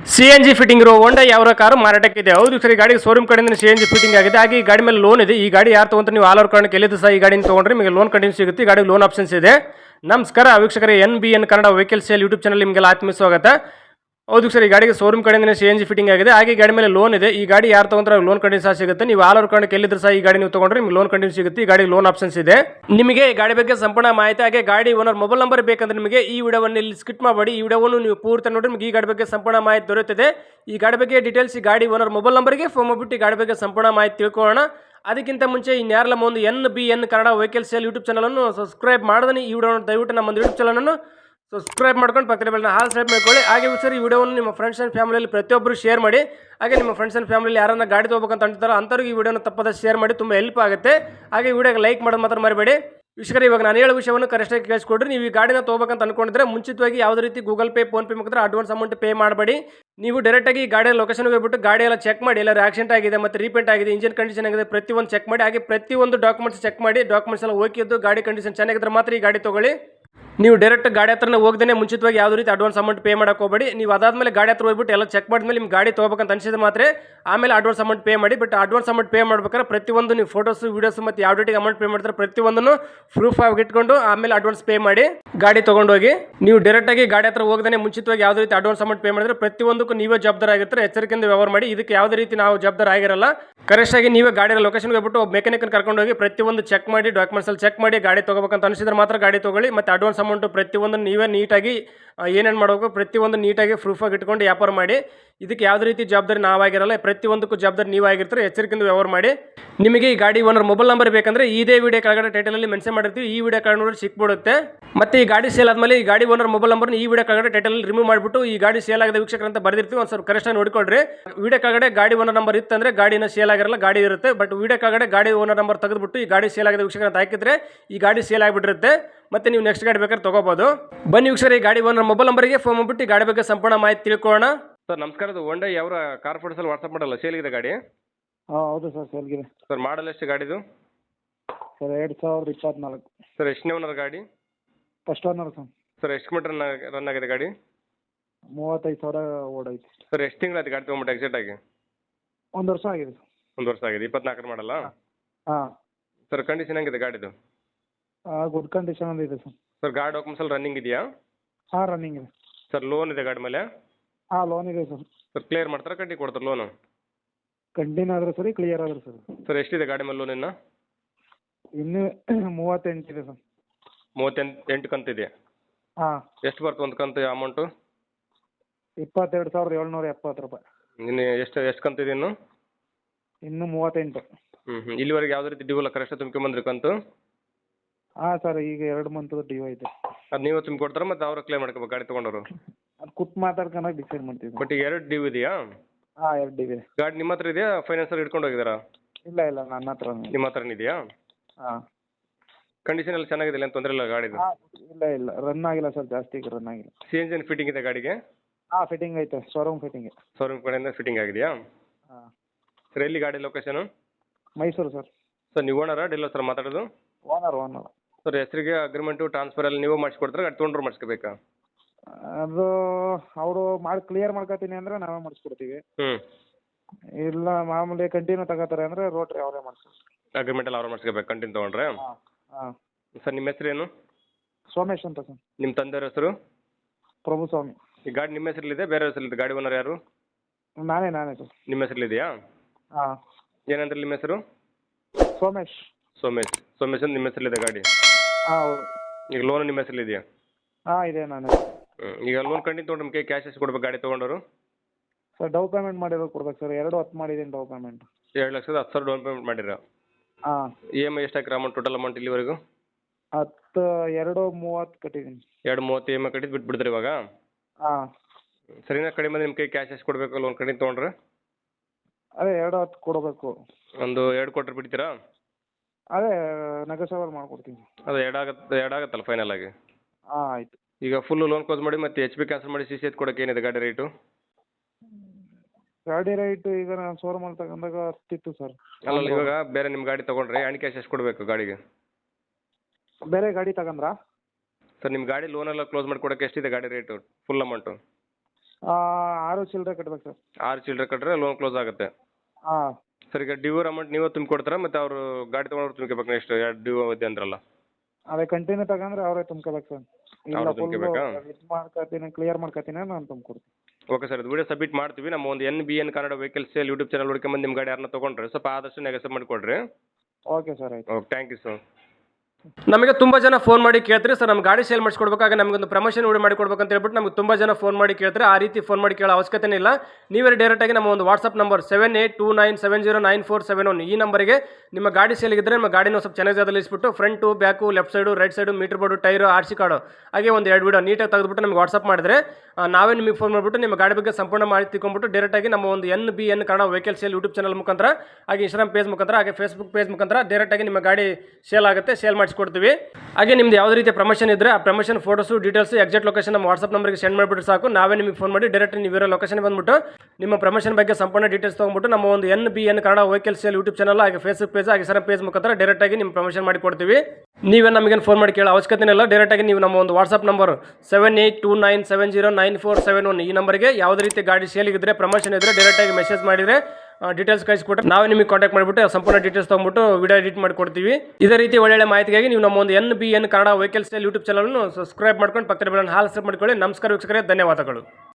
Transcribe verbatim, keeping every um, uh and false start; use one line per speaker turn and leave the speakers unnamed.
C N G fitting ಇರೋ ಹೋಂಡಾ ಯಾವ car ಮಾರಾಟಕ್ಕಿದೆ. ಹೌದು ಸರಿ, ಗಾಡಿ ಶೋರೂಮ್ ಕಡೆಯಿಂದ ಸಿ ಎನ್ ಜಿ ಫಿಟ್ಟಿಂಗ್ ಆಗಿದೆ. ಹಾಗೆ ಈ ಗಾಡಿ ಮೇಲೆ ಲೋನ್ ಇದೆ. ಈ ಗಾಡಿ ಯಾರು ತಗೊಂಡ್ರೆ ನೀವು ಆಲ್ ಓವರ್ ಕಾರಣಕ್ಕೆ ಎಲ್ಲಿದ್ದು ಸಹ ಈ ಗಾಡಿನ ತೊಗೊಂಡ್ರೆ ನಿಮಗೆ ಲೋನ್ ಕಂಟಿನ್ಯೂ ಸಿಗುತ್ತೆ. ಈ ಗಾಡಿ ಲೋನ್ ಆಪ್ಷನ್ಸ್ ಇದೆ. ನಮಸ್ಕಾರ ವೀಕ್ಷಕರೇ, N B N Kannada vehicle sale YouTube channel ನಿಮಗೆಲ್ಲ ಆತ್ಮೀಯ ಸ್ವಾಗತ. ಹೌದು ಸರ್, ಈ ಗಾಡಿಗೆ ಶೋರೂಮ್ ಕಡೆಯಿಂದ ಸಿ ಎನ್ ಜಿ ಫಿಟ್ಟಿಂಗ್ ಆಗಿದೆ. ಹಾಗೆ ಗಾಡಿ ಮೇಲೆ ಲೋನ್ ಇದೆ. ಈ ಗಾಡಿ ಯಾರು ತಗೊಂಡ್ರೆ ಲೋನ್ ಕಂಟಿನ್ಯೂ ಸಹ ಸಿಗುತ್ತೆ. ನೀವು ಆಲ್ ಓವರ್ ಕಾರಣಕ್ಕೆ ಎಲ್ಲಿದ್ರು ಸಹ ಈ ಗಾಡಿ ನೀವು ತಗೊಂಡ್ರೆ ನಿಮಗೆ ಲೋನ್ ಕಂಟಿನ್ಯೂ ಸಿಗುತ್ತೆ. ಈ ಗಾಡಿ ಲೋನ್ ಆಪ್ಷನ್ಸ್ ಇದೆ. ನಿಮಗೆ ಈ ಗಾಡಿ ಬಗ್ಗೆ ಸಂಪೂರ್ಣ ಮಾಹಿತಿ ಹಾಗೆ ಗಾಡಿ ಓನರ್ ಮೊಬೈಲ್ ನಂಬರ್ ಬೇಕಂದ್ರೆ ನಿಮಗೆ ಈ ವಿಡಿಯೋವನ್ನು ಇಲ್ಲಿ ಸ್ಕಿಪ್ ಮಾಡಬೇಡಿ. ಈ ವಿಡಿಯೋವನ್ನು ನೀವು ಪೂರ್ತಿ ನೋಡಿ ನಿಮಗೆ ಈ ಗಾಡಿ ಬಗ್ಗೆ ಸಂಪೂರ್ಣ ಮಾಹಿತಿ ದೊರೆಯುತ್ತದೆ. ಈ ಗಾಡಿ ಬಗ್ಗೆ ಡೀಟೇಲ್ಸ್ ಈ ಗಾಡಿ ಓನರ್ ಮೊಬೈಲ್ ನಂಬರ್ಗೆ ಫೋನ್ ಮಾಡಿಬಿಟ್ಟು ಈ ಗಾಡಿ ಬಗ್ಗೆ ಸಂಪೂರ್ಣ ಮಾಹಿತಿ ತಿಳ್ಕೊಳ್ಳೋಣ. ಅದಕ್ಕಿಂತ ಮುಂಚೆ ಇನ್ಯಾರಲ್ಲ ಒಂದು N B N Kannada vehicle sale YouTube ಚಾನಲನ್ನು ಸಬ್ಸ್ಕ್ರೈಬ್ ಮಾಡಿದ್ರೆ ಈ ವಿಡಿಯೋ ದಯವಿಟ್ಟು ನಮ್ಮ ಒಂದು ಯೂಟ್ಯೂಬ್ ಚಾನಲನ್ನು ಸಬ್ಸ್ಕ್ರೈಬ್ ಮಾಡ್ಕೊಂಡು ಪಕ್ಕದ ಬೆಲ್ಲ ಹಾಲ್ ಸಬ್ಸ್ಕ್ರೈಬ್ ಮಾಡ್ಕೊಳ್ಳಿ. ಹಾಗೆ ಸರ್, ಈ ವಿಡಿಯೋವನ್ನು ನಿಮ್ಮ ಫ್ರೆಂಡ್ಸ್ ಆ್ಯಂಡ್ ಫ್ಯಾಮಿಲಿಯಲ್ಲಿ ಪ್ರತಿಯೊಬ್ಬರು ಶೇರ್ ಮಾಡಿ. ಹಾಗೆ ನಿಮ್ಮ ಫ್ರೆಂಡ್ಸ್ ಆ್ಯಂಡ್ ಫ್ಯಾಮಿಲಿ ಯಾರನ್ನ ಗಾಡಿ ತೊಗೋಬೇಕಂತ ಅಂತಾರೋ ಅಂಥವ್ರಿಗೆ ಈ ವಿಡಿಯೋನ ತಪ್ಪದ ಶೇರ್ ಮಾಡಿ, ತುಂಬ ಹೆಲ್ಪ್ ಆಗುತ್ತೆ. ಹಾಗೆ ವಿಡಿಯೋಗೆ ಲೈಕ್ ಮಾಡೋದು ಮಾತ್ರ ಮರಿಬೇಡಿ. ವೀಕ್ಷಕರೇ, ಇವಾಗ ನಾನು ಹೇಳೋ ವಿಷಯವನ್ನು ಕರೆಕ್ಟಾಗಿ ಕೇಳಿಸ್ಕೊಡ್ರಿ. ನೀವು ಈ ಗಾಡಿನ ತೊಗೋಬೇಕಂತ ಅನ್ಕೊಂಡಿದ್ರೆ ಮುಂಚಿತವಾಗಿ ಯಾವುದೇ ರೀತಿ ಗೂಗಲ್ ಪೇ, ಫೋನ್ ಪೇ ಮುಖಾಂತರ ಅಡ್ವಾನ್ಸ್ ಅಮೌಂಟ್ ಪೇ ಮಾಡಬೇಡಿ. ನೀವು ಡೈರೆಕ್ಟಾಗಿ ಗಾಡಿಯ ಲೊಕೇಶನ್ಗೆ ಹೋಗ್ಬಿಟ್ಟು ಗಾಡಿ ಎಲ್ಲ ಚೆಕ್ ಮಾಡಿ, ಎಲ್ಲರೂ ಆಕ್ಸಿಡೆಂಟ್ ಆಗಿದೆ ಮತ್ತು ರೀಪೇಂಟ್ ಆಗಿದೆ, ಇಂಜಿನ್ ಕಂಡೀಷನ್ ಆಗಿದೆ, ಪ್ರತಿಯೊಂದು ಚೆಕ್ ಮಾಡಿ. ಹಾಗೆ ಪ್ರತಿಯೊಂದು ಡಾಕ್ಯುಮೆಂಟ್ಸ್ ಚೆಕ್ ಮಾಡಿ. ಡಾಕ್ಯುಮೆಂಟ್ಸ್ ಎಲ್ಲ ಓಕೆ ಇದ್ದು ಗಾಡಿ ಕಂಡೀಷನ್ ಚೆನ್ನಾಗಿದ್ರೆ ಮಾತ್ರ ಈ ಗಾಡಿ ತೊಗೊಳ್ಳಿ. ನೀವು ಡೈರೆಕ್ಟ್ ಗಾಡಿ ಹತ್ರನೇ ಹೋಗದೇ ಮುಂಚಿತವಾಗಿ ಯಾವುದೇ ರೀತಿ ಅಡ್ವಾನ್ಸ್ ಅಮೌಂಟ್ ಪೇ ಮಾಡಕ್ಕೆ ಹೋಗಬೇಡಿ. ನೀವು ಅದಾದಮೇಲೆ ಗಾಡಿ ಹತ್ರ ಹೋಗ್ಬಿಟ್ಟು ಎಲ್ಲ ಚೆಕ್ ಮಾಡಿದ್ಮೇಲೆ ನಿಮ್ಮ ಗಾಡಿ ತೊಗೋಬೇಕಂತ ಅನಿಸಿದ್ರೆ ಮಾತ್ರ ಆಮೇಲೆ ಅಡ್ವಾನ್ಸ್ ಅಮೌಂಟ್ ಪೇ ಮಾಡಿ. ಬಟ್ ಅಡ್ವಾನ್ಸ್ ಅಮೌಂಟ್ ಪೇ ಮಾಡ್ಬೇಕಾದ್ರೆ ಪ್ರತಿಯೊಂದು ನೀವು ಫೋಟೋಸ್, ವೀಡಿಯೋಸ್ ಮತ್ತು ಯಾವ ಡೇಟಿಗೆ ಅಮೌಂಟ್ ಪೇ ಮಾಡ್ತಾರೆ ಪ್ರತಿಯೊಂದನ್ನು ಪ್ರೂಫ್ ಆಗಿ ಇಟ್ಕೊಂಡು ಆಮೇಲೆ ಅಡ್ವಾನ್ಸ್ ಪೇ ಮಾಡಿ ಗಾಡಿ ತೊಗೊಂಡೋಗಿ. ನೀವು ಡೈರೆಕ್ಟಾಗಿ ಗಾಡಿ ಹತ್ರ ಹೋಗದೇ ಮುಂಚಿತವಾಗಿ ಯಾವುದೇ ರೀತಿ ಅಡ್ವಾನ್ಸ್ ಅಮೌಂಟ್ ಪೇ ಮಾಡಿದ್ರೆ ಪ್ರತಿಯೊಂದಕ್ಕೂ ನೀವೇ ಜವಾಬ್ದಾರ ಆಗಿರ್ತಾರೆ. ಎಚ್ಚರಿಕೆಯಿಂದ ವ್ಯವಹಾರ ಮಾಡಿ. ಇದಕ್ಕೆ ಯಾವುದೇ ರೀತಿ ನಾವು ಜವಾಬ್ದಾರ ಆಗಿರಲ್ಲ. ಕರೆಕ್ಟಾಗಿ ನೀವೇ ಗಾಡಿಯ ಲೊಕೇಶನ್ಗೆ ಹೋಗ್ಬಿಟ್ಟು ಒಬ್ಬ ಮೆಕ್ಯಾನಿಕ್ ಕರ್ಕೊಂಡು ಹೋಗಿ ಪ್ರತಿಯೊಂದು ಚೆಕ್ ಮಾಡಿ, ಡಾಕ್ಯುಮೆಂಟ್ಸ್ ಅಲ್ಲಿ ಚೆಕ್ ಮಾಡಿ ಗಾಡಿ ತೊಗೋಬೇಕಂತ ಅನಿಸಿದ್ರೆ ಮಾತ್ರ ಗಾಡಿ ತೊಗೊಳ್ಳಿ. ಮತ್ತು ಅಡ್ವಾನ್ಸ್ ಅಮೌಂಟ್ ಪ್ರತಿಯೊಂದು ನೀವೇ ನೀಟಾಗಿ ಏನೇನು ಮಾಡಬೇಕು ಪ್ರತಿಯೊಂದು ನೀಟಾಗಿ ಪ್ರೂಫಾಗಿ ಇಟ್ಕೊಂಡು ವ್ಯಾಪಾರ ಮಾಡಿ. ಇದಕ್ಕೆ ಯಾವುದೇ ರೀತಿ ಜವಾಬ್ದಾರಿ ನಾವಾಗಿರಲ್ಲ. ಪ್ರತಿಯೊಂದಕ್ಕೂ ಜವಾಬ್ದಾರಿ ನೀವಾಗಿರ್ತಾರೆ. ಎಚ್ಚರಿಕೆಯಿಂದ ವ್ಯವಹಾರ ಮಾಡಿ. ನಿಮಗೆ ಈ ಗಾಡಿ ಓನರ್ ಮೊಬೈಲ್ ನಂಬರ್ ಬೇಕಂದ್ರೆ ಇದೇ ವಿಡಿಯೋ ಕೆಳಗಡೆ ಟೈಟಲಲ್ಲಿ ಮೆನ್ಷನ್ ಮಾಡಿರ್ತೀವಿ. ಈ ವಿಡಿಯೋ ಕೆಳಗಡೆ ನೋಡಿ ಸಿಕ್ಬಿಡುತ್ತೆ. ಮತ್ತೆ ಈ ಗಾಡಿ ಸೇಲ್ ಆದಮೇಲೆ ಈ ಗಾಡಿ ಓನರ್ ಮೊಬೈಲ್ ನಂಬರ್ ಈ ವಿಡಿಯೋ ಕೆಳಗಡೆ ಟೈಟಲ್ ರಿಮೂವ್ ಮಾಡಿಬಿಟ್ಟು ಈ ಗಾಡಿ ಸೇಲ್ ಆಗಿದೆ ವೀಕ್ಷಕರು ಅಂತ ಬರೆದಿರ್ತೀವಿ. ಒಂದು ಸ್ವಲ್ಪ ಕರೆಕ್ಟಾಗಿ ನೋಡಿಕೊಳ್ಳ್ರಿ. ವಿಡಿಯೋ ಕೆಳಗಡೆ ಗಾಡಿ ಓನರ್ ನಂಬರ್ ಇತ್ತಂದ್ರೆ ಗಾಡಿನ ಸೇಲ್ ಆಗಿರಲ್ಲ, ಗಾಡಿ ಇರುತ್ತೆ. ಬಟ್ ವಿಡಿಯೋ ಕೆಳಗಡೆ ಗಾಡಿ ಓನರ್ ನಂಬರ್ ತೆಗೆದುಬಿಟ್ಟು ಈ ಗಾಡಿ ಸೇಲ್ ಆಗಿದೆ ವೀಕ್ಷಕರು ಅಂತ ಹಾಕಿದ್ರೆ ಈ ಗಾಡಿ ಸೇಲ್ ಆಗಿಬಿಟ್ಟಿರುತ್ತೆ. ಮತ್ತೆ ನೀವು ನೆಕ್ಸ್ಟ್ ಗಾಡಿ ಬೇಕಾದ್ರೆ ತಗೋಬಹುದು. ಬನ್ನಿ ವೀಕ್ಷಕರು, ಈ ಗಾಡಿ ಓನರ್ ಮೊಬೈಲ್ ನಂಬರ್ಗೆ ಫೋನ್ ಮಾಡಿಬಿಟ್ಟು ಈ ಗಾಡಿ ಬಗ್ಗೆ ಸಂಪೂರ್ಣ ಮಾಹಿತಿ ತಿಳ್ಕೊಳ್ಳೋಣ. ಸರ್ ನಮಸ್ಕಾರ, ಅದು ಹೋಂಡಾ ಯಾವ ಕಾರ್ ಫೋಟೋಸಲ್ಲಿ ವಾಟ್ಸಪ್ ಮಾಡಲ್ಲ ಸೇಲ್ಗಿದೆ ಗಾಡಿ?
ಹಾಂ ಹೌದು ಸರ್, ಸೇಲ್ಗಿದೆ.
ಸರ್ ಮಾಡಲ್ ಎಷ್ಟು ಗಾಡಿದು?
ಸರ್ ಎರಡು ಸಾವಿರದ ಇಪ್ಪತ್ನಾಲ್ಕು.
ಸರ್ ಎಷ್ಟನೇ ಓನರ್ ಗಾಡಿ?
First owner sir.
ಸರ್ ಎಷ್ಟು ಮೀಟರ್ ರನ್ ಆಗಿದೆ ಗಾಡಿ?
ಮೂವತ್ತೈದು ಸಾವಿರ ಓಡೈತಿ.
ಸರ್ ಎಷ್ಟು ತಿಂಗಳಾಯ್ತು ಗಾಡಿ ತೊಗೊಂಬಿಟ್ಟು ಎಕ್ಸಾಕ್ಟ್ ಆಗಿ?
ಒಂದು ವರ್ಷ ಆಗಿದೆ ಸರ್.
ಒಂದು ವರ್ಷ ಆಗಿದೆ. ಇಪ್ಪತ್ನಾಲ್ಕರ ಮಾಡಲ್ಲ?
ಹಾಂ.
ಸರ್ ಕಂಡೀಷನ್ ಹೆಂಗಿದೆ ಗಾಡಿದು?
ಹಾಂ, ಗುಡ್ ಕಂಡೀಷನ್ ಇದೆ ಸರ್.
ಸರ್ ಗಾಡಿ ಡಾಕ್ಯುಮೆಂಟ್ಸ್ ಅಲ್ಲಿ ರನ್ನಿಂಗ್ ಇದೆಯಾ?
ಹಾಂ, ರನ್ನಿಂಗ್ ಇದೆ.
ಸರ್ ಲೋನ್ ಇದೆ ಗಾಡಿ ಮೇಲೆ?
ಹಾಂ, ಲೋನ್ ಇದೆ ಸರ್.
ಸರ್ ಕ್ಲಿಯರ್ ಮಾಡ್ತಾರೆ, ಕಟ್ಟಿ ಕೊಡ್ತಾರೆ ಲೋನು?
ಕಂಟಿನ್ಯೂ ಆದ್ರೆ ಸರಿ, ಕ್ಲಿಯರ್ ಆದ್ರೆ ಸರ್.
ಸರ್ ಎಷ್ಟಿದೆ ಗಾಡಿ ಮೇಲೆ ಲೋನ್ ಇನ್ನು?
ಇನ್ನೂ ಮೂವತ್ತೆಂಟು ಇದೆ ಸರ್.
ಮೂವತ್ತೆಂಟು ಎಂಟು ಕಂತಿದೆ?
ಹಾಂ.
ಎಷ್ಟು ಬರ್ತದೆ ಒಂದು ಕಂತು ಅಮೌಂಟು?
ಇಪ್ಪತ್ತೆರಡು ಸಾವಿರದ ಏಳ್ನೂರ ಎಪ್ಪತ್ತು ರೂಪಾಯಿ.
ಇನ್ನು ಎಷ್ಟು ಎಷ್ಟು ಕಂತಿದೆ ಇನ್ನು?
ಇನ್ನೂ ಮೂವತ್ತೆಂಟು.
ಹ್ಞೂ ಹ್ಞೂ ಇಲ್ಲಿವರೆಗೆ ಯಾವುದೇ ರೀತಿ ಡ್ಯೂ ಇಲ್ಲ, ಕರೆಕ್ಟಾಗಿ ತುಂಬ್ಕೊಂಬಂದ್ರಿ ಕಂತು?
ಹಾಂ ಸರ್, ಈಗ ಎರಡು ಮಂತ್ ಡ್ಯೂ ಐತೆ.
ಅದು ನೀವು ತುಂಬಿ ಕೊಡ್ತಾರೆ ಮತ್ತು ಅವ್ರು ಕ್ಲೇಮ್ ಮಾಡ್ಕೋಬೇಕು ಗಾಡಿ ತೊಗೊಂಡವರು?
ಅದು ಕುತ್ ಮಾತಾಡ್ಕೊಂಡು ಡಿಸೈಡ್ ಮಾಡ್ತೀವಿ.
ಬಟ್ ಈಗ ಎರಡು ಡ್ಯೂ ಇದೆಯಾ?
ಹಾಂ, ಎರಡು ಇದೆ.
ಗಾಡಿ ನಿಮ್ಮ ಹತ್ರ ಇದೆಯಾ ಫೈನಾನ್ಸಲ್ಲಿ ಇಟ್ಕೊಂಡು ಹೋಗಿದ್ದಾರಾ?
ಇಲ್ಲ ಇಲ್ಲ, ನನ್ನ ಹತ್ರ.
ನಿಮ್ಮ ಹತ್ರನೇ ಇದೆಯಾ?
ಹಾಂ.
ಕಂಡೀಷನ್ ಎಲ್ಲ ಚೆನ್ನಾಗಿದೆ, ಏನು ತೊಂದರೆ ಇಲ್ಲ ಗಾಡಿದು?
ಹಾಂ, ಇಲ್ಲ ಇಲ್ಲ, ರನ್ ಆಗಿಲ್ಲ ಸರ್, ಜಾಸ್ತಿ ರನ್ ಆಗಿಲ್ಲ.
ಸಿ ಎನ್ ಜಿನ್ ಫಿಟ್ಟಿಂಗ್ ಇದೆ ಗಾಡಿಗೆ?
ಹಾಂ, ಫಿಟ್ಟಿಂಗ್ ಐತೆ, ಶೋರೂಮ್ ಫಿಟ್ಟಿಂಗ್.
ಶೋರೂಮ್ ಕಡೆಯಿಂದ ಫಿಟ್ಟಿಂಗ್ ಆಗಿದೆಯಾ?
ಹಾಂ.
ಸರ್ ಎಲ್ಲಿ ಗಾಡಿ ಲೊಕೇಶನು?
ಮೈಸೂರು ಸರ್.
ಸರ್ ನೀವು ಓನರಾ ಡೀಲರ್ ಸರ್ ಮಾತಾಡೋದು?
Owner owner.
ಸರ್ ಹೆಸರಿಗೆ ಅಗ್ರಿಮೆಂಟು ಟ್ರಾನ್ಸ್ಫರ್ ಎಲ್ಲ ನೀವು ಮಾಡಿಸ್ಕೊಡ್ತಾರೆ, ಗಾಡಿ ತೊಗೊಂಡ್ರು ಮಾಡಿಸ್ಕೋಬೇಕಾ?
ಅದು ಅವರು ಮಾಡಿ ಕ್ಲಿಯರ್ ಮಾಡ್ಕೊತೀನಿ ಅಂದರೆ ನಾವೇ ಮಾಡಿಸ್ಕೊಡ್ತೀವಿ.
ಹ್ಞೂ.
ಇಲ್ಲ ಮಾಮೂಲಿ ಕಂಟಿನ್ಯೂ ತಗೋತಾರೆ ಅಂದರೆ ರೋಟ್ರಿ ಅವರೇ ಮಾಡಿಸ್ಕೊಡ್ತೀವಿ.
ಅಗ್ರಿಮೆಂಟ್ ಎಲ್ಲ ಅವ್ರು ಮಾಡಿಸ್ಕೋಬೇಕು ಕಂಟಿನ್ಯೂ ತೊಗೊಂಡ್ರೆ?
ಹಾಂ ಹಾಂ.
ಸರ್ ನಿಮ್ಮ ಹೆಸರೇನು?
ಸೋಮೇಶ್ ಅಂತ ಸರ್.
ನಿಮ್ಮ ತಂದೆಯವ್ರ ಹೆಸರು?
ಪ್ರಭುಸ್ವಾಮಿ.
ಈ ಗಾಡಿ ನಿಮ್ಮ ಹೆಸರಲ್ಲಿದೆ ಬೇರೆ ಹೆಸರಲ್ಲಿದೆ? ಗಾಡಿ ಓನರ್ ಯಾರು?
ನಾನೇ ನಾನೇ ಸರ್.
ನಿಮ್ಮ ಹೆಸರಲ್ಲಿದೆಯಾ?
ಹಾಂ.
ಏನಂದ್ರೆ ನಿಮ್ಮ ಹೆಸರು?
ಸೋಮೇಶ್.
ಸೋಮೇಶ್. ಸೋಮೇಶ್ ಅಂತ ನಿಮ್ಮ ಹೆಸರಲ್ಲಿದೆ ಗಾಡಿ?
ಹಾಂ ಹೌದು.
ಈಗ ಲೋನ್ ನಿಮ್ಮ ಹೆಸರಲ್ಲಿದೆಯಾ?
ಹಾಂ ಇದೆ, ನಾನೇ.
ಹ್ಞೂ. ಈಗ ಲೋನ್ ಕಂಟಿನ್ಯೂ ತೊಗೊಂಡು ನಿಮಗೆ ಕ್ಯಾಶ್ ಎಷ್ಟು ಕೊಡ್ಬೇಕು ಗಾಡಿ ತೊಗೊಂಡವರು?
ಸರ್ ಡೌನ್ ಪೇಮೆಂಟ್ ಮಾಡಿರೋದು ಕೊಡ್ಬೇಕು ಸರ್. ಎರಡು ಹತ್ತು ಮಾಡಿದ್ದೀನಿ ಡೌನ್ ಪೇಮೆಂಟ್.
ಎರಡು ಲಕ್ಷದ ಹತ್ತು ಸಾವಿರ ಡೌನ್ ಪೇಮೆಂಟ್ ಮಾಡಿರ?
ಹಾಂ.
ಇ ಎಮ್ ಐ ಎಷ್ಟು ಹಾಕಿರ ಅಮೌಂಟ್ ಟೋಟಲ್ ಅಮೌಂಟ್ ಇಲ್ಲಿವರೆಗೂ?
ಹತ್ತು ಎರಡು ಮೂವತ್ತು ಕಟ್ಟಿದ್ದೀನಿ.
ಎರಡು ಮೂವತ್ತು ಇ ಎಮ್ ಐ ಕಟ್ಟಿದ್ದು ಬಿಟ್ಬಿಡ್ತೀರಿ ಇವಾಗ?
ಹಾಂ.
ಸರಿನಾ, ಕಡಿಮೆ ಅಂದ್ರೆ ನಿಮ್ಮ ಕೈ ಕ್ಯಾಶ್ ಎಷ್ಟು ಕೊಡಬೇಕು ಲೋನ್ ಕಂಟಿನ್ಯೂ ತೊಗೊಂಡ್ರೆ?
ಅದೇ ಎರಡು ಹತ್ತು ಕೊಡಬೇಕು.
ಒಂದು ಎರಡು ಕೊಟ್ಟರೆ ಬಿಡ್ತೀರಾ?
ಅದೇ ನೆಗೋಷಿಯಬಲ್ ಮಾಡ್ಕೊಡ್ತೀನಿ.
ಅದು ಎರಡು ಆಗತ್ತೆ ಎರಡು ಆಗುತ್ತಲ್ಲ ಫೈನಲ್ ಆಗಿ?
ಹಾಂ ಆಯಿತು.
ಈಗ ಫುಲ್ ಲೋನ್ ಕ್ಲೋಸ್ ಮಾಡಿ ಮತ್ತೆ ಎಚ್ ಬಿ ಕ್ಯಾನ್ಸಲ್ ಮಾಡಿ ಸಿ ಸಿ ಎತ್ ಕೊಡೋಕೆ ಏನಿದೆ ಗಾಡಿ ರೇಟು?
ಗಾಡಿ ರೈಟು ಈಗ ನಾನು ಶೋರೂಮಲ್ಲಿ ತಗೊಂಡಾಗ ಹತ್ತಿತ್ತು ಸರ್.
ಅಲ್ಲ ಇವಾಗ ಬೇರೆ ನಿಮ್ಮ ಗಾಡಿ ತೊಗೊಂಡ್ರೆ ಹ್ಯಾಂಡ್ ಕ್ಯಾಶ್ ಎಷ್ಟು ಕೊಡಬೇಕು ಗಾಡಿಗೆ?
ಬೇರೆ ಗಾಡಿ ತಗೊಂಡ್ರಾ?
ಸರ್ ನಿಮ್ಮ ಗಾಡಿ ಲೋನೆಲ್ಲ ಕ್ಲೋಸ್ ಮಾಡಿ ಕೊಡೋಕೆ ಎಷ್ಟಿದೆ ಗಾಡಿ ರೇಟು ಫುಲ್ ಅಮೌಂಟು?
ಆರು ಚಿಲ್ಲರೆ ಕಟ್ಬೇಕು ಸರ್.
ಆರು ಚಿಲ್ಲರೆ ಕಟ್ಟರೆ ಲೋನ್ ಕ್ಲೋಸ್ ಆಗುತ್ತೆ.
ಹಾಂ.
ಸರ್ ಈಗ ಡ್ಯೂರ್ ಅಮೌಂಟ್ ನೀವೇ ತುಂಬಿಕೊಡ್ತಾರಾ ಮತ್ತು ಅವರು ಗಾಡಿ ತೊಗೊಂಡ್ರು ತುಂಬ್ಕೋಬೇಕು ನೆಕ್ಸ್ಟ್ ಎರಡು ಡ್ಯೂ ಇದೆ ಅಂದ್ರಲ್ಲ?
ಅದೇ ಕಂಟಿನ್ಯೂ ತಗೊಂಡ್ರೆ ಅವರೇ ತುಂಬ್ಕೋಬೇಕು ಸರ್. ಇಲ್ಲ
ಅವ್ರೇ
ಫುಲ್ಲು
ತುಂಬ್ಕೋಬೇಕಾ?
ಇದು ಮಾಡ್ಕೊತೀನಿ, ಕ್ಲಿಯರ್ ಮಾಡ್ಕೊತೀನಿ ನಾನು ತುಂಬ್ಕೊಡ್ತೀನಿ.
ಓಕೆ ಸರ್, ಇದು ವಿಡಿಯೋ ಸಬ್ಮಿಟ್ ಮಾಡ್ತೀವಿ. ನಮ್ಮ ಒಂದು N B N Kannada vehicle sale YouTube channel ಹುಡ್ಕೊಂಬಂದು ನಿಮ್ಮ ಗಾಡಿ ಯಾರನ್ನ ತೊಗೊಂಡ್ರೆ ಸ್ವಲ್ಪ ಆದಷ್ಟು ನೆಗೆಸಬ್ ಮಾಡಿಕೊಡ್ರಿ.
ಓಕೆ ಸರ್, ಆಯ್ತು.
Okay, thank you sir. ನಮಗೆ ತುಂಬ ಜನ ಫೋನ್ ಮಾಡಿ ಕೇಳ್ತಾರೆ ಸರ್ ನಮ್ಮ ಗಾಡಿ ಸೇಲ್ ಮಾಡಿಸ್ಕೊಡ್ಬೇಕಾಗ ನಮಗೊಂದು ಪ್ರಮೋಷನ್ ವಿಡಿಯೋ ಮಾಡಿಕೊಡ್ಬೇಕು ಅಂತ ಹೇಳ್ಬಿಟ್ಟು ನಮಗೆ ತುಂಬ ಜನ ಫೋನ್ ಮಾಡಿ ಕೇಳ್ತಾರೆ. ಆ ರೀತಿ ಫೋನ್ ಮಾಡಿ ಕೇಳೋ ಅವಶ್ಯಕತೆ ಇಲ್ಲ. ನೀವೇ ಡೈರೆಕ್ಟಾಗಿ ನಮ್ಮ ಒಂದು WhatsApp number seven eight two nine seven zero nine four seven one ಈ ನಂಬರಿಗೆ ನಿಮ್ಮ ಗಾಡಿ ಸೇಲಿಗಿದ್ರೆ ನಿಮ್ಮ ಗಾಡಿನ ಸ್ವಲ್ಪ ಚೆನ್ನಾಗಿ ಜಾಗದಲ್ಲಿ ಇಸ್ಬಿಟ್ಟು front back left side right side meter board tyre R C card ಹಾಗೆ ಒಂದು ಎರಡು ವಿಡಿಯೋ ನೀಟಾಗಿ ತೆಗೆದುಬಿಟ್ಟು ನಮಗೆ ವಾಟ್ಸಪ್ ಮಾಡಿದ್ರೆ ಆ, ನಾವೇ ನಿಮಗೆ ಫೋನ್ ಮಾಡಿಬಿಟ್ಟು ನಿಮ್ಮ ಗಾಡಿ ಬಗ್ಗೆ ಸಂಪೂರ್ಣ ಮಾಹಿತಿ ತಿಳ್ಕೊಂಡ್ಬಿಟ್ಟು ಡೈರೆಕ್ಟಾಗಿ ನಮ್ಮ ಒಂದು N B N Kannada vehicle sale YouTube channel ಮುಖಾಂತರ ಹಾಗೆ ಇನ್ಸ್ಟಾಗ್ರಾಮ್ ಪೇಜ್ ಮುಖಾಂತರ ಹಾಗೆ ಫೇಸ್ಬುಕ್ ಪೇಜ್ ಮುಖಾಂತರ ಡೈರೆಕ್ಟಾಗಿ ನಿಮ್ಮ ಗಾಡಿ ಸೇಲ್ ಆಗುತ್ತೆ, ಸೇಲ್ ಮಾಡಿಸ್ಕೊಡ್ತೀವಿ. ಹಾಗೆ ನಿಮ್ದು ಯಾವುದೇ ರೀತಿಯ ಪ್ರಮೋಷನ್ ಇದ್ದರೆ ಆ promotion photos details exact location ನಮ್ಮ ವಾಟ್ಸಪ್ ನಂಬರ್ಗೆ ಸೆಂಡ್ ಮಾಡಿಬಿಟ್ಟು ಸಾಕು. ನಾವೇ ನಿಮಗೆ ಫೋನ್ ಮಾಡಿ ಡೈರೆಕ್ಟ್ ನೀವು ಇರೋ ಲೊಕೇಶನ್ ಬಂದುಬಿಟ್ಟು ನಿಮ್ಮ ಪ್ರಮೋಷನ್ ಬಗ್ಗೆ ಸಂಪೂರ್ಣ ಡೀಟೇಲ್ಸ್ ತೊಗೊಂಡ್ಬಿಟ್ಟು ನಮ್ಮ ಒಂದು N B N Kannada vehicle sale YouTube channel ಹಾಗೆ ಫೇಸ್ಬುಕ್ ಪೇಜ್ ಹಾಗೆ ಇನ್ಸ್ಟಾಗ್ರಾಮ್ ಪೇಜ್ ಮುಖಾಂತರ ಡೈರೆಕ್ಟಾಗಿ ನಿಮ್ಮ ಪ್ರಮೋಷನ್ ಮಾಡಿ ಕೊಡ್ತೀವಿ. ನೀವೇ ನಮಗೇನು ಫೋನ್ ಮಾಡಿ ಕೇಳೋ ಅವಶ್ಯಕತೆ ಇಲ್ಲ. ಡೈರೆಕ್ಟಾಗಿ ನೀವು ನಮ್ಮ ಒಂದು WhatsApp number seven eight two nine seven zero nine four seven one ಈ ನಂಬರ್ಗೆ ಯಾವುದೇ ರೀತಿ ಗಾಡಿ ಸೇಲಿಗಿದ್ರೆ ಪ್ರಮೋಷನ್ ಇದ್ದರೆ ಡೈರೆಕ್ಟಾಗಿ ಮೆಸೇಜ್ ಮಾಡಿದರೆ ಡೀಟೇಲ್ಸ್ ಕಳಿಸ್ಕೊಟ್ರೆ ನಾವೇ ನಿಮಗೆ ಕಾಂಟ್ಯಾಕ್ಟ್ ಮಾಡಿಬಿಟ್ಟು ಸಂಪೂರ್ಣ ಡೀಟೇಲ್ಸ್ ತೊಗೊಂಡ್ಬಿಟ್ಟು ವಿಡಿಯೋ ಎಡಿಟ್ ಮಾಡಿಕೊಡ್ತೀವಿ. ಇದೇ ರೀತಿ ಒಳ್ಳೆ ಮಾಹಿತಿಗಾಗಿ ನೀವು ನಮ್ಮ ಒಂದು N B N Kannada vehicle sale YouTube ಚಾನಲ್ನು ಸಬ್ಸ್ಕ್ರೈಬ್ ಮಾಡ್ಕೊಂಡು ಪಕ್ಕದ ಬೆಲ್ಲನ್ನು ಹಾಲ್ ಸಬ್ ಮಾಡ್ಕೊಳ್ಳಿ. ನಮಸ್ಕಾರ ವೀಕ್ಷಕರೇ, ಧನ್ಯವಾದಗಳು.